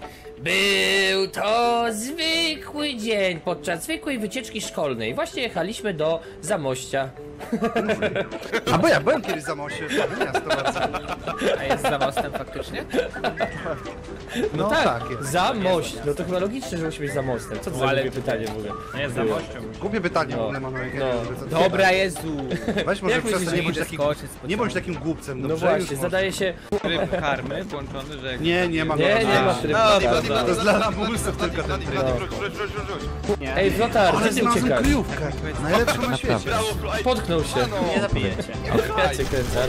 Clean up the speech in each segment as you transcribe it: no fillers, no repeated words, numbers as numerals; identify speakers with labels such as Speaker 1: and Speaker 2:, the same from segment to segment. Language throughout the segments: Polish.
Speaker 1: Był to zwykły dzień podczas zwykłej wycieczki szkolnej. Właśnie jechaliśmy do Zamościa.
Speaker 2: A bo ja byłem kiedyś za moście, to miasto bardzo.
Speaker 3: A jest za mostem faktycznie?
Speaker 2: No tak jest.
Speaker 1: Zamość. No to chyba logiczne, że musi być za mostem. Co to za głupie pytanie w ogóle?
Speaker 3: Nie, za mością.
Speaker 2: Głupie pytanie w ogóle, Manuel.
Speaker 3: Dobra, Jezu.
Speaker 2: Weź może
Speaker 1: Jak
Speaker 2: przestań,
Speaker 1: myślisz,
Speaker 2: nie bądź takim głupcem,
Speaker 1: No
Speaker 2: dobrze?
Speaker 1: właśnie,
Speaker 2: Już
Speaker 1: zadaje się...
Speaker 3: Tryb karmy włączony, że...
Speaker 2: Nie ma.
Speaker 1: Nie ma trybu.
Speaker 2: To jest dla lamusów tylko ten tryb.
Speaker 1: Ej, Flotar,
Speaker 2: Ale
Speaker 1: gdzie ty
Speaker 2: znalazłem
Speaker 1: uciekasz?
Speaker 2: kryjówkę. Najlepszą na świecie.
Speaker 1: Potknął się.
Speaker 3: Nie zabijecie.
Speaker 1: Jacy kręcar.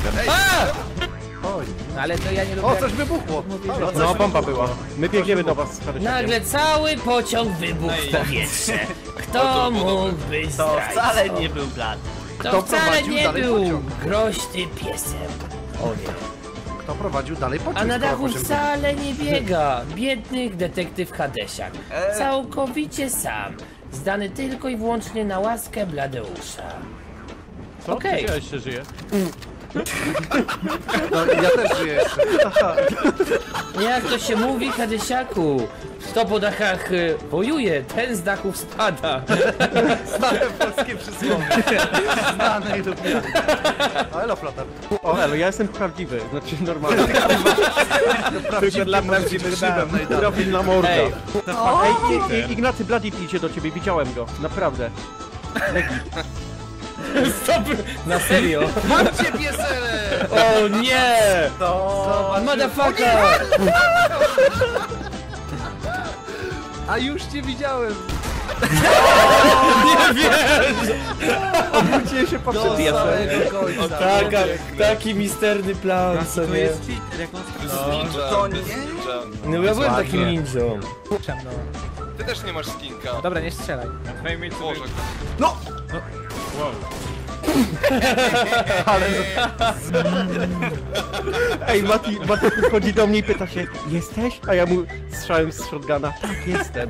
Speaker 2: Oj.
Speaker 3: No ale to ja nie lubię...
Speaker 2: O, coś wybuchło.
Speaker 4: No, bomba była. My biegniemy do was z Harysiakiem.
Speaker 1: Nagle cały pociąg wybuchł w powietrze. Kto mógłby
Speaker 5: To
Speaker 1: zdradzić?
Speaker 5: wcale nie był plan.
Speaker 1: To
Speaker 2: Kto
Speaker 1: wcale
Speaker 2: prowadził
Speaker 1: nie
Speaker 2: dalej
Speaker 1: był
Speaker 2: pociąg?
Speaker 1: groźny piesem. O nie.
Speaker 2: Kto prowadził dalej pociąg?
Speaker 1: A na
Speaker 2: skoro
Speaker 1: dachu
Speaker 2: pociąg-
Speaker 1: wcale nie biega biednych detektyw Hadesiak. Całkowicie sam. Zdany tylko i wyłącznie na łaskę Bladeusza.
Speaker 4: Co?
Speaker 1: Okej.
Speaker 4: Ja jeszcze żyję.
Speaker 2: No, ja też żyję jeszcze.
Speaker 1: Jak to się mówi, Hadesiaku? Kto po dachach wojuje, ten z dachów spada.
Speaker 2: Znane polskie przysłowie. Znane i lubiane. A elo, Flotar.
Speaker 4: O, elo, ja jestem prawdziwy, znaczy normalny.
Speaker 2: Tylko dla prawdziwych szybem najdalej.
Speaker 4: Profil na morda.
Speaker 1: Ej.
Speaker 4: Ej, Ignacy Blady idzie do ciebie, widziałem go, naprawdę.
Speaker 1: Stop! Na serio?
Speaker 2: Mam cię, piesele!
Speaker 1: O nie!
Speaker 2: Zobacz.
Speaker 1: Motherfucker!
Speaker 2: A już cię widziałem.
Speaker 4: Obróciłem się po
Speaker 2: Do samego końca.
Speaker 1: Taki misterny plan, co
Speaker 3: To
Speaker 1: nie?
Speaker 3: jest cheater, jak on
Speaker 5: To nie.
Speaker 1: No ja byłem takim ninją.
Speaker 6: Ty też nie masz skinka.
Speaker 3: Dobra, nie strzelaj.
Speaker 6: Boże.
Speaker 2: No!
Speaker 4: Ej, Mati podchodzi do mnie i pyta się, jesteś? A ja mu strzałem z shotguna, tak, jestem.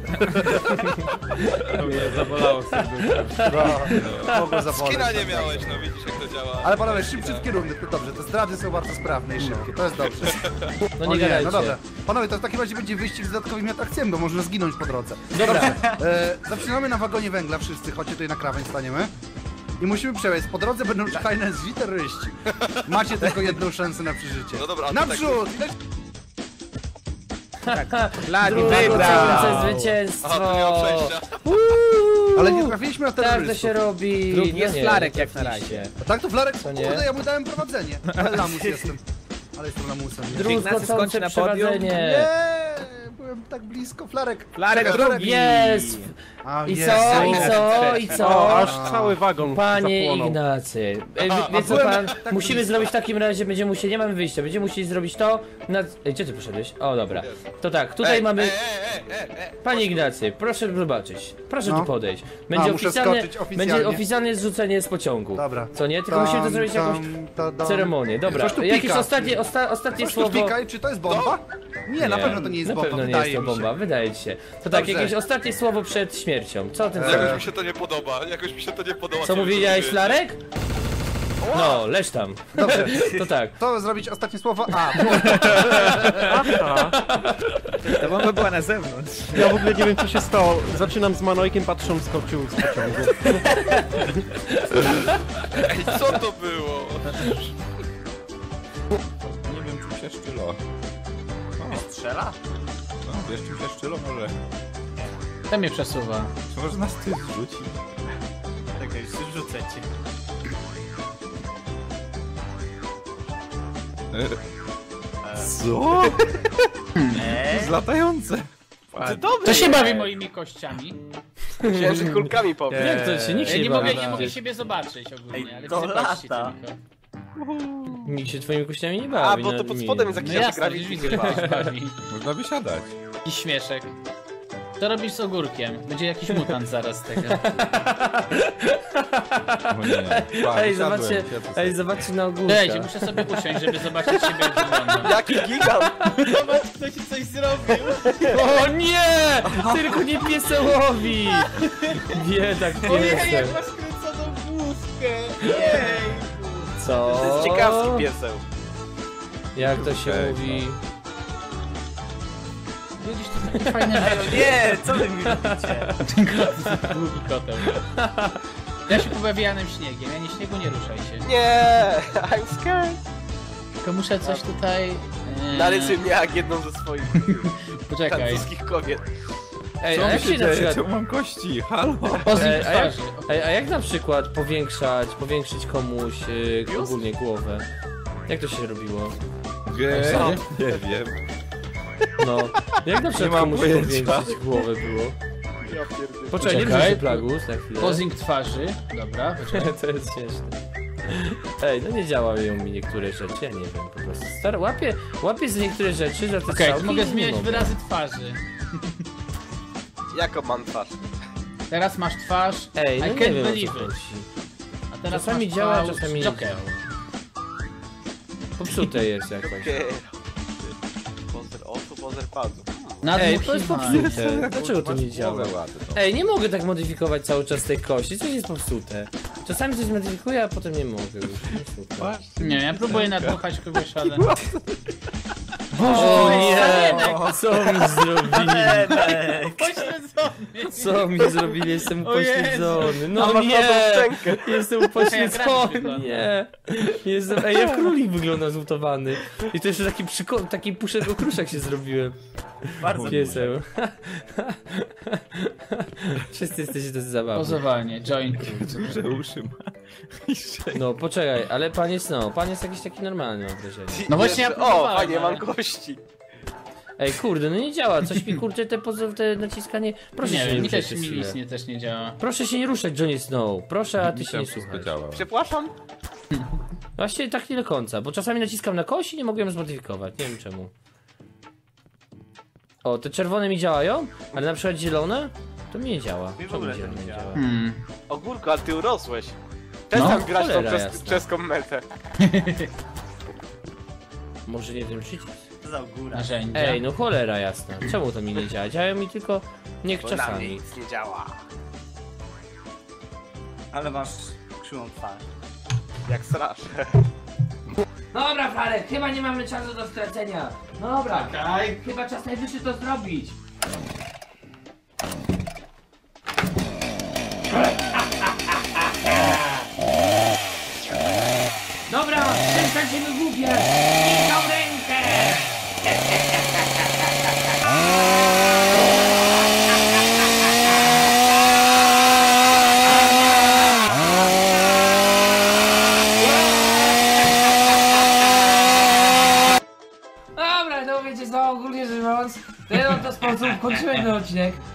Speaker 3: Zabolało serducho.
Speaker 2: Mogło zaboleć.
Speaker 6: Skina nie miałeś, no widzisz jak to działa.
Speaker 2: Ale panowie, szybciutki rundy, to dobrze, te zdrady są bardzo sprawne i szybkie, to jest dobrze.
Speaker 1: No
Speaker 2: O
Speaker 1: nie gadajcie.
Speaker 2: no dobra. Panowie, to w takim razie będzie wyścig z dodatkowymi atrakcjami, bo można zginąć po drodze.
Speaker 1: Dobra.
Speaker 2: Zaczynamy na wagonie węgla wszyscy, chodźcie tutaj na krawędź staniemy. I musimy przejść, po drodze będą czekali nas źli terroryści. Macie tylko jedną szansę na przeżycie.
Speaker 6: No dobra, a to
Speaker 2: Naprzód!
Speaker 3: Blady
Speaker 1: Drugie
Speaker 3: wygrał!
Speaker 1: zwycięstwo!
Speaker 6: Aha, to nie ma przejścia.
Speaker 2: Ale nie trafiliśmy na
Speaker 1: Tak
Speaker 2: terrorystów.
Speaker 1: to się robi.
Speaker 3: Drugi
Speaker 1: No
Speaker 3: jest
Speaker 1: nie,
Speaker 3: Flarek
Speaker 1: nie
Speaker 3: jak na
Speaker 1: trafiliście.
Speaker 3: razie.
Speaker 2: A tak to Flarek,
Speaker 1: nie?
Speaker 2: kurde, ja mu dałem prowadzenie. Ale lamus jestem. Ale jestem lamusem.
Speaker 3: Ignacy skończy
Speaker 1: Druzgocące
Speaker 3: na podium.
Speaker 1: przeprowadzenie.
Speaker 2: Nie, byłem tak blisko, Flarek.
Speaker 3: Flarek
Speaker 2: Czekaj,
Speaker 3: drugi.
Speaker 1: Jest!
Speaker 2: A,
Speaker 1: I
Speaker 2: jest.
Speaker 1: co? I
Speaker 3: Ignacy
Speaker 1: co?
Speaker 3: też.
Speaker 1: I
Speaker 4: O,
Speaker 1: co?
Speaker 4: aż cały wagon
Speaker 1: Panie
Speaker 4: zapłonął.
Speaker 1: Ignacy, wie co
Speaker 2: byłem
Speaker 1: pan,
Speaker 2: tak
Speaker 1: musimy
Speaker 2: blisko.
Speaker 1: zrobić w takim razie, będziemy musieli, nie mamy wyjścia, będziemy musieli zrobić to, Ej, gdzie ty poszedłeś? O, dobra, to tak, tutaj mamy, panie Ignacy, proszę zobaczyć, proszę
Speaker 2: No.
Speaker 1: tu podejść, będzie
Speaker 2: muszę
Speaker 1: oficjalne,
Speaker 2: skoczyć oficjalnie.
Speaker 1: będzie oficjalne zrzucenie z pociągu,
Speaker 2: Dobra.
Speaker 1: co nie? Tylko musimy to zrobić jakąś ceremonię, dobra,
Speaker 2: Coś tu
Speaker 1: jakieś
Speaker 2: pika.
Speaker 1: ostatnie
Speaker 2: Coś tu
Speaker 1: słowo.
Speaker 2: pika, czy to jest bomba? Nie, na pewno to nie jest
Speaker 1: Na
Speaker 2: bomba,
Speaker 1: pewno nie
Speaker 2: wydaje
Speaker 1: jest to
Speaker 2: mi się.
Speaker 1: bomba, wydaje ci się. To tak,
Speaker 2: Dobrze.
Speaker 1: jakieś ostatnie słowo przed śmiercią, co ten
Speaker 6: Jakoś mi się to nie podoba, jakoś mi się to nie podoba.
Speaker 1: Co mówiłeś, Flarek? No, leż tam.
Speaker 2: Dobrze,
Speaker 1: To tak.
Speaker 2: to zrobić ostatnie słowo A.
Speaker 3: Ta bomba była na zewnątrz.
Speaker 4: Ja w ogóle nie wiem co się stało. Zaczynam z Manojkiem, patrzą, skoczył z pociągu.
Speaker 6: Ej, co to było?
Speaker 7: Nie wiem, czym się szczylo.
Speaker 5: Strzela?
Speaker 7: No, wiesz, czym się szczylo może?
Speaker 3: To mnie przesuwa.
Speaker 7: Czy może nas ty zrzuci?
Speaker 5: Tak, już rzucę cię.
Speaker 7: Co? To jest latające.
Speaker 8: To się bawi moimi kościami.
Speaker 5: Myślałem, że kulkami powiem.
Speaker 1: Jak to się nikt
Speaker 8: Ja
Speaker 1: się
Speaker 8: nie
Speaker 1: bawi
Speaker 8: mogę,
Speaker 1: na-
Speaker 8: nie mogę siebie zobaczyć ogólnie,
Speaker 5: Ej,
Speaker 8: ale
Speaker 5: to
Speaker 8: wy zobaczcie
Speaker 5: lata.
Speaker 8: tylko.
Speaker 1: Nikt się twoimi kościami nie
Speaker 5: A,
Speaker 1: bawi.
Speaker 5: bo
Speaker 1: no,
Speaker 5: to pod
Speaker 1: mi-
Speaker 5: spodem jest
Speaker 8: No
Speaker 5: jakiś
Speaker 8: jasne,
Speaker 5: grawik.
Speaker 8: widzisz, widzę, że ktoś bawi.
Speaker 7: Można wysiadać.
Speaker 8: I śmieszek. To robisz z ogórkiem. Będzie jakiś mutant zaraz z tego.
Speaker 7: O nie. Pa,
Speaker 1: Ej,
Speaker 7: wysiadłem,
Speaker 1: zobaczcie,
Speaker 7: siedzę
Speaker 1: ej,
Speaker 7: sobie.
Speaker 1: zobaczcie na ogórka.
Speaker 8: Dajcie, muszę sobie usiąść, żeby zobaczyć siebie jak wygląda.
Speaker 5: Jaki gigant!
Speaker 8: Zobacz, ktoś coś zrobił.
Speaker 1: O nie! Tylko nie piesełowi! Biedak piesek.
Speaker 8: masz kręconą główkę. Jej.
Speaker 1: Co?
Speaker 5: To jest ciekawski pieseł.
Speaker 1: Jak to się
Speaker 7: Okej,
Speaker 1: mówi?
Speaker 8: Widzisz, to takie fajne
Speaker 5: Ej, no nie, co wy mi robicie?
Speaker 8: długi koteł. Ja się pobawię Janem Śniegiem, Janie Śniegu nie ruszaj się.
Speaker 5: Nie, I'm scared.
Speaker 8: Tylko muszę coś tutaj...
Speaker 5: Narysuj mnie jak jedną ze swoich
Speaker 8: Poczekaj.
Speaker 5: francuskich kobiet.
Speaker 1: Ej,
Speaker 7: Co
Speaker 1: a
Speaker 7: mi
Speaker 1: jak
Speaker 7: się
Speaker 1: się na
Speaker 7: dzieje?
Speaker 1: przykład...
Speaker 7: Czemu mam kości? Halo?
Speaker 8: Pozyk
Speaker 1: a jak,
Speaker 8: twarzy.
Speaker 1: a jak na przykład powiększyć komuś ogólnie głowę? Jak to się robiło?
Speaker 7: Nie wiem.
Speaker 1: No, jak na przykład
Speaker 7: mam
Speaker 1: komuś
Speaker 7: pojęcia.
Speaker 1: powiększyć głowę było? Poczekaj, nie
Speaker 8: Poczekaj.
Speaker 1: bierz plagus na chwilę.
Speaker 8: Posing twarzy. Dobra, poczekaj.
Speaker 1: To jest śmieszne. Ej, no nie działają mi niektóre rzeczy, ja nie wiem po prostu. Łapię za niektóre rzeczy, za te
Speaker 8: Okej,
Speaker 1: strzałki
Speaker 8: to mogę
Speaker 1: i nie
Speaker 8: zmieniać
Speaker 1: mogę.
Speaker 8: wyrazy twarzy.
Speaker 5: Jaką mam twarz?
Speaker 8: Teraz masz twarz
Speaker 1: Ej, no
Speaker 8: I
Speaker 1: nie
Speaker 8: can't
Speaker 1: wiem o
Speaker 8: believe
Speaker 1: co
Speaker 8: it.
Speaker 1: chodzi.
Speaker 8: A teraz
Speaker 1: Czasami
Speaker 8: masz
Speaker 1: działa,
Speaker 8: twarz
Speaker 1: czasami nie
Speaker 8: Joker.
Speaker 1: działa. Popsute jest jakoś.
Speaker 5: Okej. Pozer oczu, pozer palców.
Speaker 1: Ej, to jest
Speaker 8: Nadmuchiwanie.
Speaker 1: popsute. Dlaczego to nie działa?
Speaker 7: Ładno.
Speaker 1: Ej, nie mogę tak modyfikować cały czas tej kości, coś jest popsute. Czasami coś modyfikuję, a potem nie mogę już. Nie super.
Speaker 8: Nie, ja próbuję nadmuchać kogoś, ale...
Speaker 1: O nie! Co mi zrobili?
Speaker 8: Pośledzony!
Speaker 1: Co mi zrobili? Jestem
Speaker 8: O Jezu.
Speaker 1: upośledzony.
Speaker 5: A
Speaker 1: No
Speaker 5: masz
Speaker 1: nie!
Speaker 5: nową szczękę.
Speaker 1: Jestem
Speaker 8: Jak
Speaker 1: upośledzony,
Speaker 8: wygląda.
Speaker 1: nie! Jestem... Ej, jak królik wygląda zlutowany. I to jeszcze taki puszek okruszek się zrobiłem.
Speaker 5: Bardzo
Speaker 1: Piesem. Wszyscy jesteście tacy zabawni.
Speaker 8: Pozowanie, joint.
Speaker 7: Duże uszy ma.
Speaker 1: No poczekaj, ale pan jest jakiś taki normalny, mam wrażenie.
Speaker 8: No właśnie ja
Speaker 5: O,
Speaker 8: próbowałem,
Speaker 5: fajnie, mam
Speaker 8: ale-
Speaker 5: kości.
Speaker 1: Ej, kurde, no nie działa, coś mi kurczę te naciskanie. Proszę
Speaker 8: Nie
Speaker 1: się
Speaker 8: wiem,
Speaker 1: nie
Speaker 8: mi
Speaker 1: ruszać
Speaker 8: też
Speaker 1: przez
Speaker 8: mi
Speaker 1: chwilę.
Speaker 8: nic też nie działa.
Speaker 1: Proszę się nie ruszać, Johnny Snow. Proszę, a ty się nie
Speaker 7: Wszystko
Speaker 1: słuchasz.
Speaker 7: działa.
Speaker 5: Przepraszam?
Speaker 1: Właściwie tak nie do końca, bo czasami naciskam na kość i nie mogę ją zmodyfikować, nie wiem czemu. O, te czerwone mi działają, ale na przykład zielone to mi nie działa.
Speaker 5: Mi w
Speaker 1: Czemu
Speaker 5: ogóle
Speaker 1: zielone
Speaker 5: to nie
Speaker 1: nie
Speaker 5: działa.
Speaker 1: działa?
Speaker 5: Ogórku, ale ty urosłeś. Też
Speaker 8: No,
Speaker 5: tam grać tą
Speaker 1: cholera jasna.
Speaker 5: czeską metę.
Speaker 1: Może nie ten przycisk?
Speaker 8: Narzędzia.
Speaker 1: Ej, no cholera jasna. Czemu to mi nie działa? Działają mi tylko niech
Speaker 5: Bo na mnie
Speaker 1: czasami.
Speaker 5: nic nie działa.
Speaker 9: Ale masz krzywą twarz.
Speaker 5: Jak strasz.
Speaker 1: Dobra, Farek, chyba nie mamy czasu do stracenia. Dobra, chyba czas najwyższy to zrobić. Dobra, przestań się wygłupiać! I tą rękę! Dobra, no wiecie co, ogólnie rzecz biorąc, w ten oto sposób kończymy ten odcinek.